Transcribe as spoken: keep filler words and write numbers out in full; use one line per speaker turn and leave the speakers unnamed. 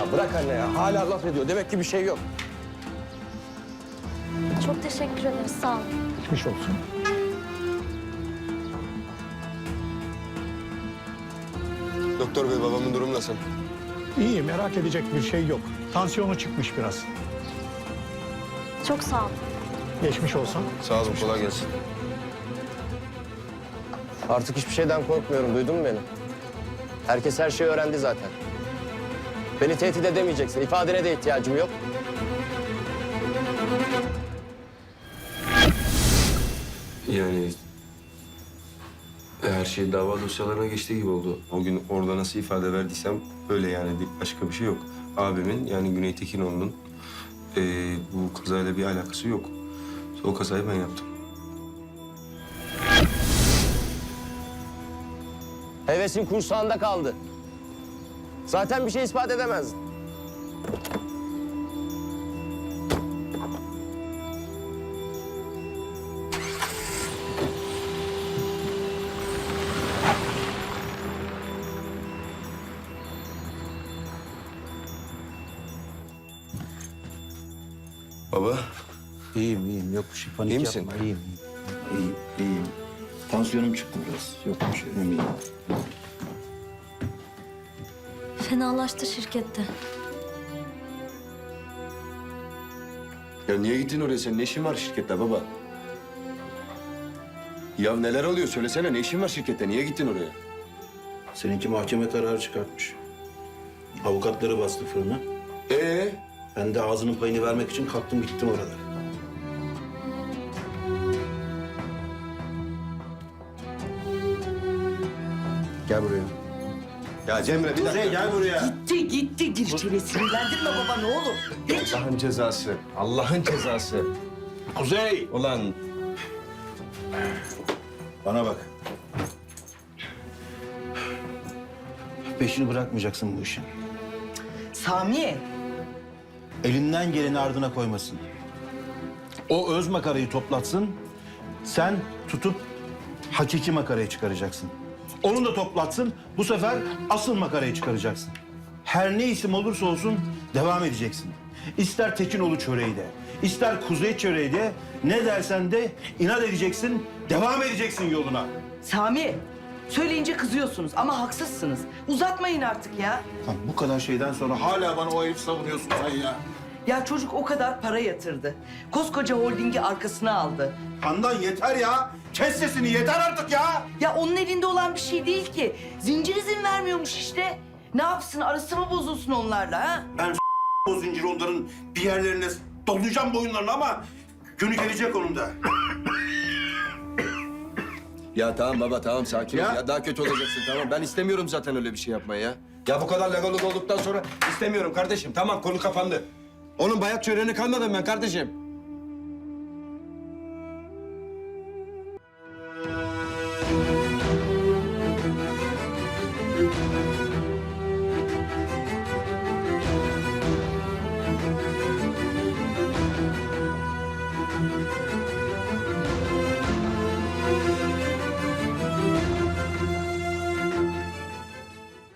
Ya bırak anne ya. Hala laf ediyor. Demek ki bir şey yok.
Çok teşekkür ederiz. Sağ olun.
Geçmiş olsun.
Doktor bey babamın durumu nasıl?
İyi, merak edecek bir şey yok. Tansiyonu çıkmış biraz.
Çok sağ olun.
Geçmiş olsun.
Sağ olun, kolay gelsin. Artık hiçbir şeyden korkmuyorum. Duydun mu beni? Herkes her şeyi öğrendi zaten. Beni tehdit edemeyeceksin. İfadene de ihtiyacım yok.
Yani her şey dava dosyalarına geçtiği gibi oldu. O gün orada nasıl ifade verdiysem öyle yani, başka bir şey yok. Abimin yani Güney Tekinoğlu'nun eee bu kazayla bir alakası yok. O kazayı ben yaptım.
Hevesin kursağında kaldı. Zaten bir şey ispat edemezdin.
Baba,
İyiyim, iyiyim. Yok bir şey. Panik
İyi misin?
yapma. İyiyim, iyiyim. İyiyim, iyiyim. Tansiyonum çıktı biraz. Yok bir şey. Önemli değil.
Fenalaştı şirkette.
ya niye gittin oraya? Senin ne işin var şirkette baba? Ya neler oluyor? Söylesene, ne işin var şirkette? Niye gittin oraya?
Seninki mahkeme kararı çıkartmış. Avukatları bastı fırına.
Ee?
Ben de ağzının payını vermek için kalktım gittim oralara. Gel buraya.
Ya Cemre bir dakika.
Kuzey gel buraya.
Gitti gitti. Dirçeyle sinirlendirme baba ne olur. Geç.
Allah'ın cezası. Allah'ın cezası.
Kuzey!
Ulan
Bana bak. Peşini bırakmayacaksın bu işin.
Sami.
Elinden geleni ardına koymasın. O öz makarayı toplatsın. Sen tutup hakiki makarayı çıkaracaksın. Onu da toplatsın. Bu sefer asıl makarayı çıkaracaksın. Her ne isim olursa olsun devam edeceksin. İster Tekinoğlu çöreği de, ister Kuzey çöreği de, ne dersen de inat edeceksin, devam edeceksin yoluna.
Sami. Söyleyince kızıyorsunuz ama haksızsınız. Uzatmayın artık ya.
Lan bu kadar şeyden sonra hala bana o herif savunuyorsun sen ya.
Ya çocuk o kadar para yatırdı. Koskoca holdingi arkasına aldı.
Handan yeter ya. Kes sesini yeter artık ya.
Ya onun elinde olan bir şey değil ki. Zincir izin vermiyormuş işte. Ne yapsın arası mı bozulsun onlarla ha?
Ben o zinciri onların bir yerlerine dolayacağım boyunlarını ama günü gelecek onun da.
ya tamam baba, tamam sakin ol
Ya.
ya. Daha kötü olacaksın, tamam. Ben istemiyorum zaten öyle bir şey yapmayı ya. Ya bu kadar legal olduktan sonra istemiyorum kardeşim. Tamam, konu kapandı. Onun bayat çöreğine kalmadım ben kardeşim.